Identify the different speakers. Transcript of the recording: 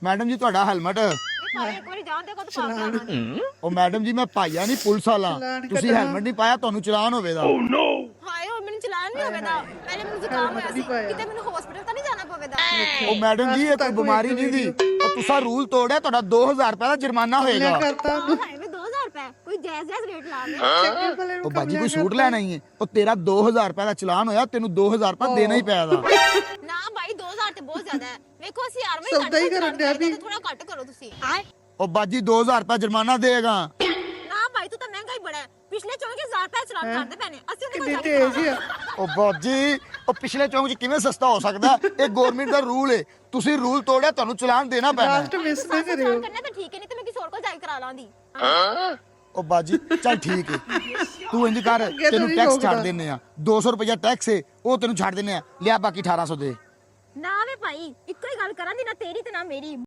Speaker 1: Madam ਜੀ ਤੁਹਾਡਾ helmet
Speaker 2: ਭਾਈ ਇੱਕ ਵਾਰੀ ਜਾਣ ਦੇ ਕੋ ਤਾਂ ਪਾ ਕੇ
Speaker 1: ਉਹ ਮੈਡਮ ਜੀ ਮੈਂ ਭਾਈਆ ਨਹੀਂ ਪੁਲਿਸ ਵਾਲਾ ਤੁਸੀਂ ਹੈਲਮਟ ਨਹੀਂ ਪਾਇਆ ਤੁਹਾਨੂੰ ਚਲਾਨ ਹੋਵੇਗਾ
Speaker 2: ਹਾਏ ਹੁਣ ਮੈਨੂੰ ਚਲਾਨ ਨਹੀਂ ਹੋਵੇਦਾ ਪਹਿਲੇ ਮੈਨੂੰ ਜ਼ੁਕਾਮ ਹੋਇਆ ਸੀ ਕਿਤੇ ਮੈਨੂੰ ਹਸਪੀਟਲ ਤਾਂ ਨਹੀਂ ਜਾਣਾ ਪਵੇਦਾ
Speaker 1: ਉਹ ਮੈਡਮ ਜੀ ਇਹ ਕੋਈ ਬਿਮਾਰੀ ਨਹੀਂ ਦੀ ਉਹ ਤੁਸੀਂ ਰੂਲ ਤੋੜਿਆ ਤੁਹਾਡਾ 2000 ਰੁਪਏ ਦਾ ਜੁਰਮਾਨਾ ਹੋਏਗਾ
Speaker 3: ਕਰਤਾ
Speaker 2: ਹਾਏ ਮੈਂ 2000 ਰੁਪਏ ਕੋਈ ਜਾਇਜ਼ ਰੇਟ ਲਾ ਦੇ
Speaker 1: ਉਹ ਬਾਜੀ ਕੋਈ ਸੂਟ ਲੈਣਾ ਹੀ ਹੈ ਉਹ ਤੇਰਾ 2000 ਰੁਪਏ ਦਾ ਚਲਾਨ ਹੋਇਆ ਤੈਨੂੰ 2000 ਰੁਪਏ ਦੇਣਾ ਹੀ ਪਿਆ ਦਾ
Speaker 2: ਨਾ ਭਾਈ 2000 ਤੇ ਬਹੁਤ ਜ਼ਿਆਦਾ ਹੈ ਵੇਖੋ ਅਸੀਂ ਯਾਰ
Speaker 3: ਸੌਦਾ ਹੀ ਕਰਨ ਡਿਆ ਵੀ।
Speaker 2: ਥੋੜਾ ਘੱਟ ਕਰੋ ਤੁਸੀਂ ਹਾਏ
Speaker 1: ਉਹ ਬਾਜੀ 2000 ਰੁਪਏ ਜੁਰਮਾਨਾ ਦੇਗਾ
Speaker 2: ਨਾ ਭਾਈ ਤੂੰ ਤਾਂ ਮਹਿੰਗਾ ਹੀ ਬੜਾ ਹੈ ਪਿਛਲੇ 24000 ਰੁਪਏ ਚਲਾਨ ਕਰਦੇ ਪੈਣੇ ਅਸੀਂ ਉਹਦੇ
Speaker 3: ਕਿੰਨੀ
Speaker 2: ਕੋਲ
Speaker 3: ਤੇਜ਼ ਆ
Speaker 1: ਉਹ ਬਾਜੀ ਉਹ ਪਿਛਲੇ ਚੌਂਕ 'ਚ ਕਿਵੇਂ ਸਸਤਾ ਹੋ ਸਕਦਾ ਇਹ ਗਵਰਨਮੈਂਟ ਦਾ ਰੂਲ ਹੈ ਤੁਸੀਂ ਰੂਲ ਤੋੜਿਆ ਤੁਹਾਨੂੰ ਚਲਾਨ ਦੇਣਾ ਪੈਣਾ
Speaker 3: ਲਾਸਟ ਮਿਸ ਨਾ ਕਰਿਓ
Speaker 2: ਕਰਨਾ ਤਾਂ ਠੀਕ ਹੈ ਨਹੀਂ ਤੇ ਮੈਂ ਕਿਸੇ ਹੋਰ ਕੋਲ ਜਾ ਕੇ ਕਰਾ ਲਾਂਦੀ
Speaker 1: ਉਹ ਬਾਜੀ ਚੱਲ ਠੀਕ ਹੈ ਤੂੰ ਇੰਜ ਕਰ ਤੈਨੂੰ
Speaker 3: ਨਹੀਂ
Speaker 1: ਟੈਕਸ
Speaker 3: ਰੋਕਦਾ।
Speaker 1: ਛੱਡ ਦਿੰਨੇ ਆ 200 ਰੁਪਇਆ ਟੈਕਸ ਹੈ ਉਹ ਤੈਨੂੰ ਛੱਡ ਦਿੰਨੇ ਆ ਲਿਆ ਬਾਕੀ 1800 ਦੇ
Speaker 2: ਨਾ ਵੇ ਭਾਈ ਇੱਕੋ ਹੀ ਗੱਲ ਕਰਾਂ ਦੀ ਨਾ ਤੇਰੀ ਤੇ ਨਾ ਮੇਰੀ